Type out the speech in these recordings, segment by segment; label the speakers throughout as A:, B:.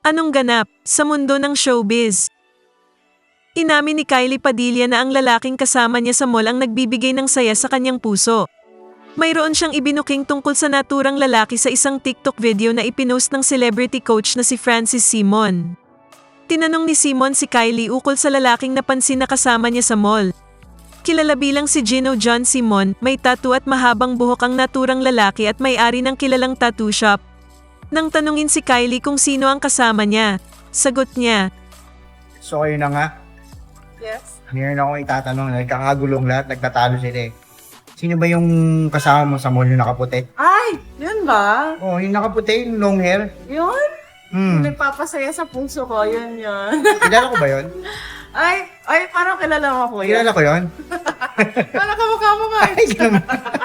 A: Anong ganap sa mundo ng showbiz? Inamin ni Kylie Padilla na ang lalaking kasama niya sa mall ang nagbibigay ng saya sa kanyang puso. Mayroon siyang ibinuking tungkol sa naturang lalaki sa isang TikTok video na ipinost ng celebrity coach na si Francis Simon. Tinanong ni Simon si Kylie ukol sa lalaking napansin na kasama niya sa mall. Kilala bilang si Gino John Simon, may tattoo at mahabang buhok ang naturang lalaki at may-ari ng kilalang tattoo shop. Nang tanungin si Kylie kung sino ang kasama niya, sagot niya,
B: So kayo na nga,
C: Yes.
B: meron akong itatanong, nagkakagulong lahat, nagtatalo sila eh. Sino ba yung kasama mo sa mall yung nakaputi?
C: Ay, yun ba?
B: Oh, yung nakaputi, yung long hair.
C: Yun?
B: Hmm,
C: Nagpapasaya sa puso ko, yun yun.
B: kilala ko ba yun?
C: ay, parang kilala mo ko yun.
B: Kilala ko yun?
C: Parang kamukha mo nga.
B: Ay, ganun.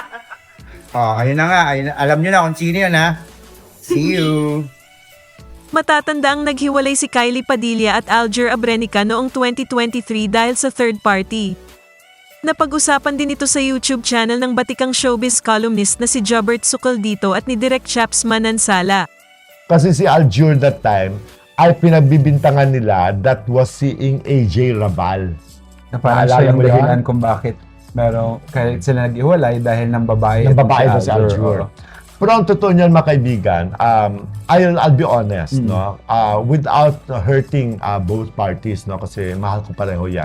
B: Oh, ayun na nga, alam nyo na kung sino yun ha. See you.
A: matatanda ang naghiwalay si Kylie Padilla at Alger Abrenica noong 2023 dahil sa third party. Napag-usapan din ito sa YouTube channel ng batikang showbiz columnist na si Jobert Sucaldito at ni Direk Chaps Manansala.
D: Kasi si Aljur that time ay pinagbibintangan nila that was seeing AJ Rabal.
E: Na parang
D: Naalala
E: siya yung
D: mo yun?
E: dahilan kung bakit kaya sila nag-iwalay dahil ng babae.
D: Ng
E: itong
D: babae na si Aljur.
E: Oo.
D: Pero ang totoo niyan, mga kaibigan, I'll be honest, no? Without hurting both parties, no? Kasi mahal ko pareho yan.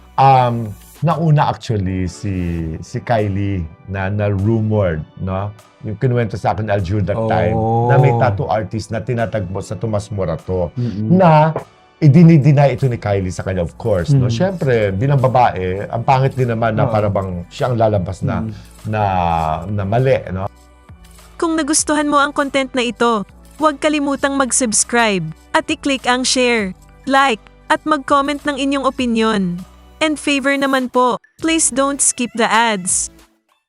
D: Nauna actually si Kylie na rumored, no? Yung kinuwento sa akin ni Aljur that time, na may tattoo artist na tinatagpo sa Tomas Morato, na idinideny ito ni Kylie sa kanya, of course. No? Siyempre, bilang babae, ang pangit din naman na para bang siya ang lalabas na mali, no?
A: Kung nagustuhan mo ang content na ito, huwag kalimutang mag-subscribe at i-click ang share, like, at mag-comment ng inyong opinion. And favor naman po, please don't skip the ads.